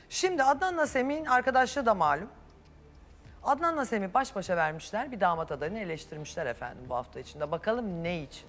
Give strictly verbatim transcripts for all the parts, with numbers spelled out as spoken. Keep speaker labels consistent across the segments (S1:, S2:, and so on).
S1: Şimdi Adnan'la Semih'in arkadaşlığı da malum. Adnan'la Semih baş başa vermişler. Bir damat adayını eleştirmişler efendim bu hafta içinde. Bakalım ne için?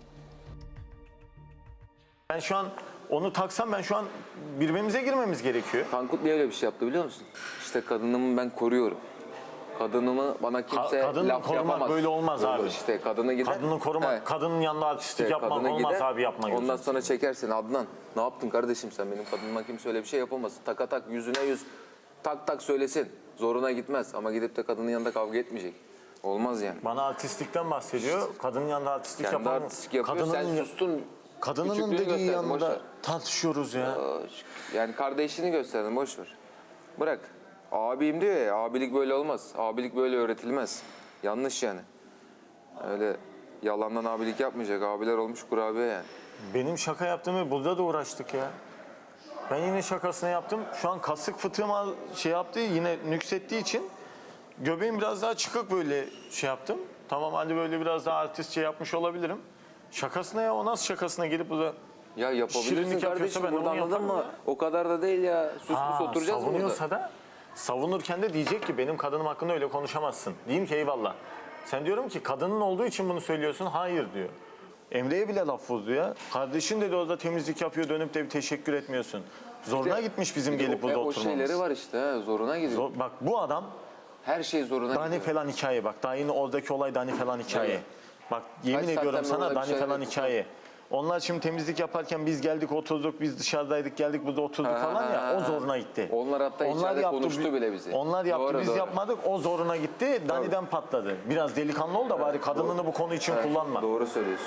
S2: Ben şu an onu taksam ben şu an birbirimize girmemiz gerekiyor.
S3: Tankut niye öyle bir şey yaptı biliyor musun? İşte kadınımı ben koruyorum. Kadınımı bana kimse
S2: Kadını
S3: laf
S2: korumak
S3: yapamaz.
S2: böyle olmaz
S3: Olur
S2: abi.
S3: İşte kadını gider.
S2: Kadını korumak,
S3: He.
S2: kadının yanında artistlik
S3: İşte
S2: yapmak
S3: kadını
S2: olmaz
S3: gider,
S2: abi, yapma gözünü.
S3: Ondan sonra çekersin Adnan. Ne yaptın kardeşim sen, benim kadınıma kimse öyle bir şey yapamaz. Taka tak yüzüne yüz tak tak söylesin. Zoruna gitmez ama gidip de kadının yanında kavga etmeyecek. Olmaz yani.
S2: Bana artistlikten bahsediyor. Kadının yanında artistlik
S3: Kendi
S2: yapan...
S3: artistlik yapıyor,
S2: kadının,
S3: sen sustun.
S2: Kadının
S3: Küçüklüğünü
S2: dediği
S3: gösterdin, boş ver.
S2: yanında tartışıyoruz ya.
S3: Yani kardeşini gösterdin, boş ver. Bırak. Abim diyor ya, abilik böyle olmaz. Abilik böyle öğretilmez. Yanlış yani. Öyle yalandan abilik yapmayacak. Abiler olmuş kurabiye yani.
S2: Benim şaka yaptığımı burada da uğraştık ya. Ben yine şakasını yaptım. Şu an kasık fıtığıma şey yaptı, yine nüksettiği için göbeğim biraz daha çıkık böyle şey yaptım. Tamam, hadi böyle biraz daha artistçe yapmış olabilirim. Şakasına ya, o nasıl şakasına gelip burada
S3: Ya yapabilirsin
S2: şirinlik yapıyorsa
S3: kardeşim,
S2: ben de
S3: burada
S2: onu
S3: anladın
S2: yaparım
S3: mı?
S2: ya.
S3: O kadar da değil ya. Sus
S2: Ha,
S3: pus oturacağız mı burada?
S2: savunuyorsa da savunurken de diyecek ki benim kadınım hakkında öyle konuşamazsın. Diyeyim ki eyvallah. Sen diyorum ki kadının olduğu için bunu söylüyorsun. Hayır diyor. Emre'ye bile laf vurdu ya. Kardeşin dedi orada temizlik yapıyor, dönüp de bir teşekkür etmiyorsun. Zoruna
S3: İşte
S2: gitmiş bizim
S3: bir de
S2: gelip
S3: o,
S2: burada
S3: o
S2: oturmamız.
S3: şeyleri var işte, ha, zoruna gidiyor.
S2: Zor- bak bu adam
S3: Her şey zoruna
S2: Dani
S3: gidiyor.
S2: falan hikaye bak. Daha yine oradaki olay Dani falan hikaye.
S3: Evet.
S2: Bak yemin
S3: Kaç
S2: ediyorum
S3: saatten
S2: sana
S3: orada bir
S2: Dani
S3: şeyler
S2: falan
S3: yapıyor.
S2: hikaye. Onlar şimdi temizlik yaparken biz geldik oturduk, biz dışarıdaydık geldik burada oturduk
S3: Ha,
S2: falan ya,
S3: ha,
S2: o
S3: ha.
S2: zoruna gitti.
S3: Onlar hatta içeride konuştu
S2: bi-
S3: bile bizi.
S2: Onlar yaptı,
S3: Doğru,
S2: biz
S3: doğru.
S2: yapmadık, o zoruna gitti, Dani'den patladı. Biraz delikanlı ol da bari kadınını bu konu için kullanma.
S3: Doğru söylüyorsun.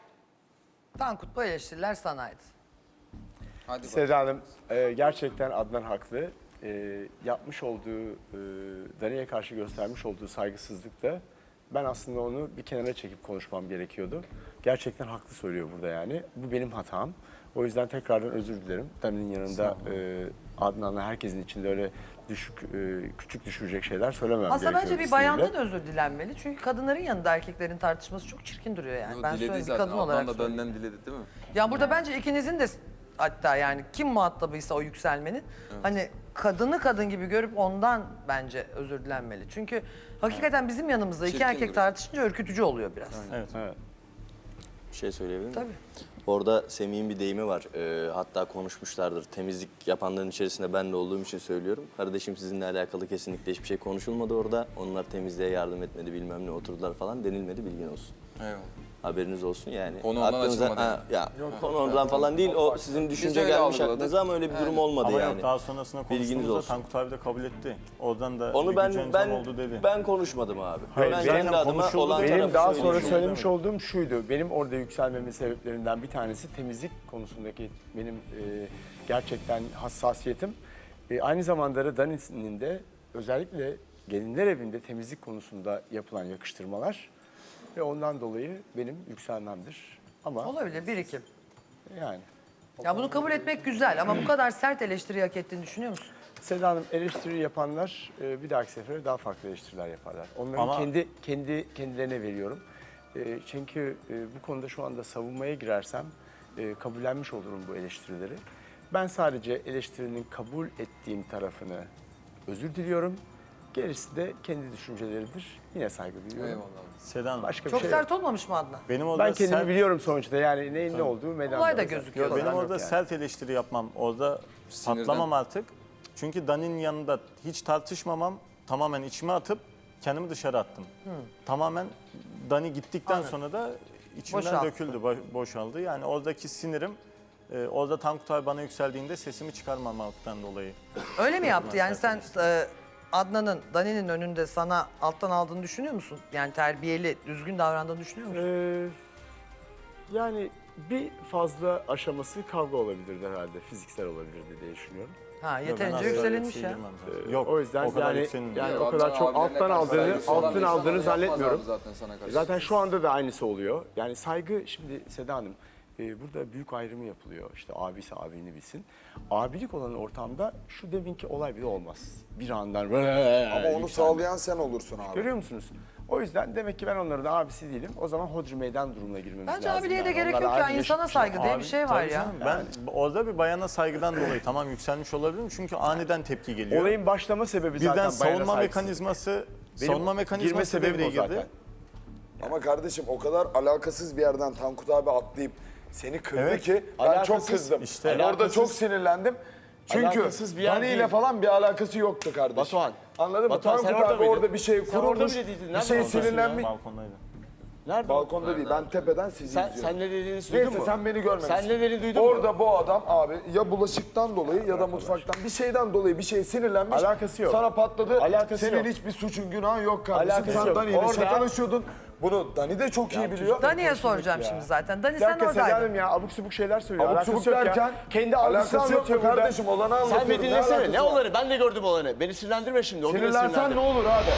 S1: Tankut, bu eleştiriler sanaydı.
S3: Hadi bak.
S4: Seda Hanım, e, gerçekten Adnan haklı. E, yapmış olduğu, e, Dani'ye karşı göstermiş olduğu saygısızlıkta ben aslında onu bir kenara çekip konuşmam gerekiyordu. Gerçekten haklı söylüyor burada yani. Bu benim hatam. O yüzden tekrardan özür dilerim. Dani'nin yanında e, Adnan'la herkesin içinde öyle düşük, e, küçük düşürecek şeyler söylemem
S1: Aslında
S4: gerekiyor.
S1: bence bir bayandan özür dilenmeli. Çünkü kadınların yanında erkeklerin tartışması çok çirkin duruyor yani. Ben söyleyeyim, bir kadın olarak
S3: da
S1: söyleyeyim.
S3: benden diledi değil mi?
S1: Ya burada bence ikinizin de hatta yani kim muhatabıysa o yükselmenin hani kadını kadın gibi görüp ondan bence özür dilenmeli. Çünkü hakikaten bizim yanımızda iki
S3: Çirkin
S1: erkek
S3: duruyor.
S1: tartışınca ürkütücü oluyor biraz.
S2: Evet.
S4: Evet.
S5: Bir şey söyleyebilir miyim?
S1: Tabii.
S5: Orada Semih'in bir deyimi var. Ee, hatta konuşmuşlardır. Temizlik yapanların içerisinde ben de olduğum için söylüyorum. Kardeşim sizinle alakalı kesinlikle hiçbir şey konuşulmadı orada. Onlar temizliğe yardım etmedi, bilmem ne oturdular falan denilmedi, bilgin olsun.
S3: Eyvallah.
S5: Haberiniz olsun yani.
S3: Konu ondan
S5: Aklınıza-
S3: açılmadı
S5: ha, ya, konu ondan falan değil. O sizin düşünce
S3: öyle
S5: gelmiş
S3: algıladık.
S5: aklınıza ama öyle bir durum olmadı
S2: Ama
S5: yani.
S2: yok, daha sonrasında
S5: Bilginiz
S2: konuştuğumuzda
S5: olsun.
S2: Tankut abi de kabul etti. Oradan da
S5: Onu
S2: bir
S5: ben
S2: gücencan
S5: ben
S2: oldu dedi.
S5: ben konuşmadım abi.
S4: Hayır,
S5: ben
S4: benim
S5: kendi adıma
S2: konuşuldu
S5: olan
S2: dedi.
S4: Benim
S5: tarafı
S4: daha sonra
S5: söylüyorum.
S4: söylemiş olduğum şuydu. Benim orada yükselmemin sebeplerinden bir tanesi temizlik konusundaki benim e, gerçekten hassasiyetim. E, aynı zamanda da Dani'nin de özellikle gelinler evinde temizlik konusunda yapılan yakıştırmalar ve ondan dolayı benim yükselmemdir. Ama
S1: Olabilir, birikim.
S4: yani
S1: Ya bunu kabul etmek güzel ama bu kadar sert eleştiri hak ettiğini düşünüyor musun?
S4: Seda Hanım, eleştiri yapanlar e, bir dahaki sefere daha farklı eleştiriler yaparlar. Onları
S2: Ama-
S4: kendi kendi kendilerine veriyorum. E, çünkü e, bu konuda şu anda savunmaya girersem e, kabullenmiş olurum bu eleştirileri. Ben sadece eleştirinin kabul ettiğim tarafını özür diliyorum. Gerisi de kendi düşünceleridir. Yine saygı duyuyorum.
S3: Eyvallah.
S2: Sedan Hanım,
S4: Başka bir
S1: Çok
S4: şey
S1: sert
S4: yok.
S1: olmamış mı Adnan?
S2: benim orada
S4: Ben kendimi
S2: sert-
S4: biliyorum sonuçta. Yani neyin ne olduğu meydanda.
S1: Olay da
S4: zaten.
S1: gözüküyor.
S2: Yok, benim
S4: Problem
S2: orada
S4: yok yani.
S2: sert eleştiri yapmam, orada patlamam artık. Çünkü Dani'nin yanında hiç tartışmamam, tamamen içime atıp kendimi dışarı attım. Tamamen Dani gittikten
S1: Anladım.
S2: sonra da içimden
S1: Boşalttı.
S2: döküldü, bo- boşaldı. Yani oradaki sinirim, e, orada Tankut abi bana yükseldiğinde sesimi çıkarmamaktan dolayı.
S1: Öyle mi yaptı? Yani sen
S2: sert eleştiri.
S1: e, Adnan'ın, Dani'nin önünde sana alttan aldığını düşünüyor musun? Yani terbiyeli, düzgün davrandığını düşünüyor musun?
S4: Ee, yani bir fazla aşaması kavga olabilirdi herhalde. Fiziksel olabilirdi diye düşünüyorum.
S1: Ha,
S2: Yok, ben
S1: yeterince
S2: asla öyle bir
S1: yükselinmiş
S2: şey
S1: ya.
S2: girmem zaten.
S4: Ee,
S2: Yok,
S4: o yüzden
S2: o kadar
S4: yani
S2: yükselinmiyor.
S4: yani
S3: Ya
S4: o kadar
S3: Adnan
S4: çok
S3: abilerine
S4: alttan
S3: karşı
S4: aldığını
S3: saygısı olan
S4: alttan
S3: insan
S4: aldığını
S3: yapmaz abi
S4: zannetmiyorum.
S3: Zaten, sana karşı.
S4: Zaten şu anda da aynısı oluyor. Yani saygı şimdi Seda Hanım e, burada büyük ayrımı yapılıyor. İşte abisi abini bilsin. Abilik olan ortamda şu deminki olay bile olmaz. Bir andan
S6: Ama onu sağlayan sen olursun abi.
S4: Görüyor musunuz? O yüzden demek ki ben onların da abisi değilim. O zaman hodri meydan durumuna girmemiz
S1: Bence
S4: lazım.
S1: abiliğe de
S4: yani.
S1: gerek
S4: Onlar
S1: yok ya.
S4: abi
S1: İnsana
S4: yaşıt-
S1: saygı diye bir
S2: Abi,
S1: şey var
S2: tabii
S1: ya.
S2: canım. Ben orada bir bayana saygıdan dolayı tamam yükselmiş olabilirim çünkü aniden tepki geliyor.
S4: Olayın başlama sebebi zaten
S2: Birden
S4: bayana
S2: savunma
S4: saygısızlık.
S2: mekanizması,
S4: Benim
S2: savunma
S4: girme
S2: mekanizması
S4: sebebim
S2: devreye
S4: o
S2: girdi.
S4: zaten.
S6: Ama kardeşim o kadar alakasız bir yerden Tankut abi atlayıp seni kırdı
S2: Evet,
S6: ki ben çok
S4: alakasız,
S6: kızdım.
S2: işte.
S6: Yani orada
S4: Alakasız-
S6: çok sinirlendim. Çünkü
S4: alakasız bir yer
S6: Dani ile
S4: değil.
S6: falan bir alakası yoktu kardeşim.
S4: Batuhan.
S6: Anladın mı?
S4: Batuhan, sen
S6: Tankut
S4: orada
S6: abi
S4: mıydın?
S6: orada bir şey
S4: Sen orada
S6: kurulmuş,
S4: bile değildin.
S6: bir
S4: Nerede
S6: şey
S4: oradasın ya?
S6: sinirlenmiş.
S2: Balkondaydı.
S4: Nerede?
S6: Balkonda değil, ben tepeden sizi
S4: Sen,
S6: izliyorum.
S4: sen ne dediğini duydun
S6: Neyse
S4: mu?
S6: sen beni görmemişsin.
S4: Sen ne dediğini duydun mu?
S6: Orada bu adam abi ya bulaşıktan dolayı ya da mutfaktan bir şeyden dolayı bir şey sinirlenmiş.
S4: Alakası yok.
S6: Sana patladı.
S4: Alakası
S6: Senin
S4: yok.
S6: hiçbir suçun günahın yok kardeşim.
S4: Alakası
S6: sen
S4: yok.
S6: Dani ile
S4: Orada-
S6: şakalaşıyordun. Bunu Dani de çok iyi biliyor.
S1: Dani'ye soracağım
S4: ya.
S1: şimdi zaten. Dani
S4: Bir
S1: sen
S4: dakika
S1: oradaydın.
S4: Sedalim ya abuk subuk şeyler söylüyor.
S6: Abuk
S4: Alakası
S6: subuk
S4: yok ya.
S6: derken
S4: Kendi algısını
S6: alakası yok
S4: anlatıyor
S6: mu
S4: burada.
S6: kardeşim? Olanı
S4: Sen
S6: anlatıyorum.
S4: bir dinlesene.
S6: alakası
S4: Ne
S6: var?
S4: olanı? Ben de gördüm olanı. Beni sinirlendirme şimdi. O bile
S6: Sinirlensen
S4: sinirlendi.
S6: ne olur abi?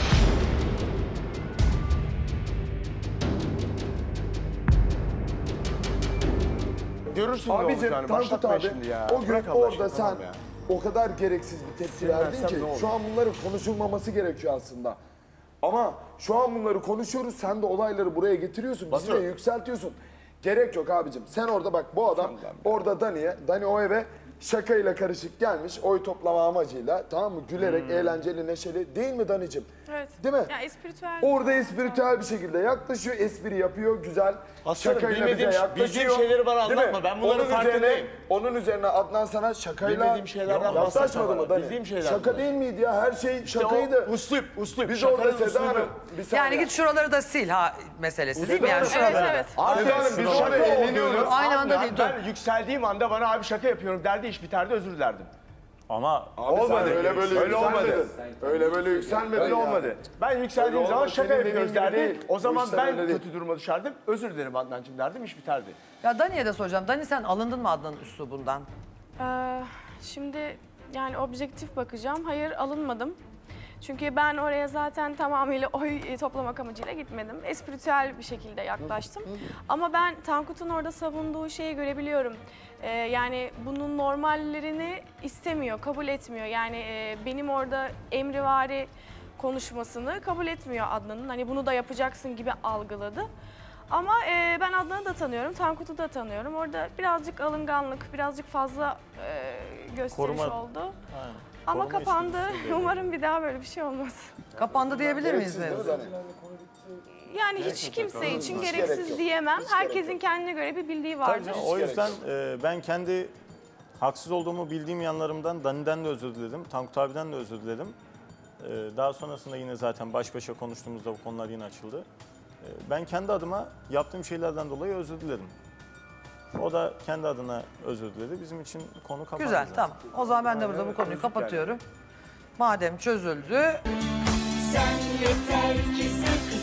S4: Görürsün ne
S6: Abicim
S4: olacağını.
S6: Tankut
S4: Başlatma
S6: abi
S4: şimdi ya.
S6: o gün
S4: Bırak Allah
S6: orada
S4: aşkına,
S6: sen
S4: tamam ya.
S6: o kadar gereksiz bir tepki verdin
S4: Sinirlensem
S6: ki
S4: ne olur?
S6: şu an bunların konuşulmaması gerekiyor aslında. Ama şu an bunları konuşuyoruz sen de olayları buraya getiriyorsun bizi de
S4: Batu.
S6: yükseltiyorsun. Gerek yok abicim. Sen orada bak bu adam orada Dani'ye, Dani o eve şakayla karışık gelmiş oy toplama amacıyla tamam mı? Gülerek,
S4: Hmm.
S6: eğlenceli, neşeli değil mi Dani'cim?
S7: Evet.
S6: Değil mi?
S7: Ya espiritüel.
S6: Orada espiritüel bir şekilde yaklaşıyor, espri yapıyor, güzel.
S4: Aslanım,
S6: Şakayla bize
S4: bilmediğim-
S6: yaklaşıyor.
S4: bildiğim şeyleri bana
S6: Değil mi?
S4: anlatma, ben bunların
S6: onun
S4: farkındayım.
S6: Üzerine, onun üzerine Adnan sana şakayla
S4: Bilmediğim şeylerden
S6: yaklaşmadı
S4: bahsetme
S6: mı
S4: bana,
S6: Dani?
S4: bildiğim şeyler
S6: Şaka
S4: bunlar.
S6: değil miydi ya? Her şey
S4: İşte
S6: şakaydı.
S4: o uslup, uslup.
S6: Biz
S4: Şakanın
S6: orada Seda
S4: uslubu.
S6: Hanım, bir saniye.
S1: Yani git şuraları da sil ha meselesi değil mi? Yani
S6: Seda Hanım,
S1: şuraları.
S7: Evet, evet.
S4: Artık
S6: Seda Hanım, biz
S4: şaka
S6: orada eğleniyoruz.
S4: olduğunu
S1: Aynı anda
S4: anlayan,
S1: değil, dur.
S4: Ben yükseldiğim anda bana abi şaka yapıyorum derdi, iş biterdi, özür dilerdim.
S2: Ama
S6: Abi sen
S4: Olmadı.
S6: öyle böyle
S4: Öyle olmadı.
S6: yükselmedin. Öyle böyle yükselmedin.
S4: Öyle
S6: yani.
S4: olmadı. Ben yükseldiğim
S6: Öyle
S4: zaman
S6: olmadı.
S4: şaka
S6: Senin
S4: yapıyoruz
S6: dediğin gibi
S4: derdi.
S6: değil.
S4: O
S6: Bu
S4: zaman
S6: işler
S4: ben
S6: öyle değil.
S4: kötü duruma düşerdim. Özür dilerim Adnancığım derdim, iş biterdi.
S1: Ya Dani'ye de soracağım. Dani sen alındın mı Adnan'ın üslubundan?
S7: Ee, şimdi yani objektif bakacağım. Hayır, alınmadım. Çünkü ben oraya zaten tamamıyla oy e, toplamak amacıyla gitmedim. Espiritüel bir şekilde yaklaştım. Ama ben Tankut'un orada savunduğu şeyi görebiliyorum. Ee, yani bunun normallerini istemiyor, kabul etmiyor. Yani e, benim orada emrivari konuşmasını kabul etmiyor Adnan'ın. Hani bunu da yapacaksın gibi algıladı. Ama e, ben Adnan'ı da tanıyorum, Tankut'u da tanıyorum. Orada birazcık alınganlık, birazcık fazla e, gösteriş
S2: Koruma-
S7: oldu.
S2: aynen.
S7: Ama
S2: Koruma
S7: kapandı.
S2: içgüdüsü devreye
S7: Umarım bir daha böyle bir şey olmaz.
S1: Kapandı diyebilir miyiz
S6: Gereksiz değil mi
S1: mevzu?
S6: Dani?
S7: Yani hiç kimse için
S6: Hiç gerek
S7: gereksiz
S6: yok.
S7: diyemem.
S6: Hiç gerek
S7: Herkesin
S6: yok.
S7: kendine göre bir bildiği
S2: Tabii
S7: vardır.
S2: canım, o yüzden e, ben kendi haksız olduğumu bildiğim yanlarımdan Dani'den de özür diledim. Tankut abiden de özür diledim. E, daha sonrasında yine zaten baş başa konuştuğumuzda bu konular yine açıldı. E, ben kendi adıma yaptığım şeylerden dolayı özür diledim. O da kendi adına özür diledi. Bizim için konu kapandı.
S1: Güzel
S2: zaten.
S1: tamam. O zaman ben de burada bu konuyu kapatıyorum. Madem çözüldü.
S8: Sen yeter ki sen